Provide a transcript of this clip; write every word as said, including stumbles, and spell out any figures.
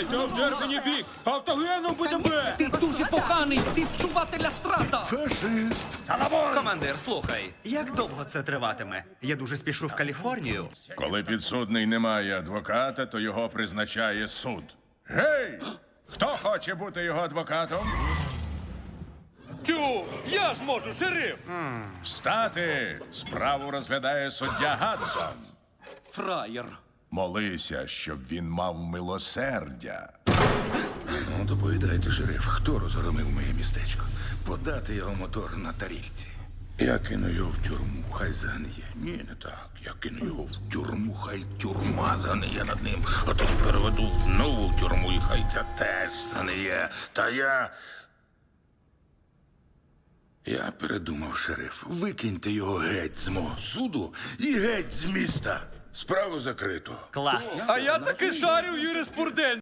Та вдар мені бік! Автогеном буде бе! Ти дуже поганий! Ти псувателя страта! Фашист. Саламон! Командир, слухай, як довго це триватиме? Я дуже спішу в Каліфорнію. Коли підсудний не має адвоката, то його призначає суд. Гей! Хто хоче бути його адвокатом? Тю, я зможу, шериф! Встати! Справу розглядає суддя Гадсон. Фраєр. Молися, щоб він мав милосердя. Ну, доповідайте, шериф, хто розгромив моє містечко? Подати його мотор на тарільці. Я кину його в тюрму, хай згниє. Ні, не так. Я кину його в тюрму, хай тюрма згниє над ним. А тоді переведу в нову тюрму, і хай це теж згниє. Та я... Я передумав, шериф. Викиньте його геть з мого суду і геть з міста. Справу закрито. Клас. А я таки шарю в юриспруденції.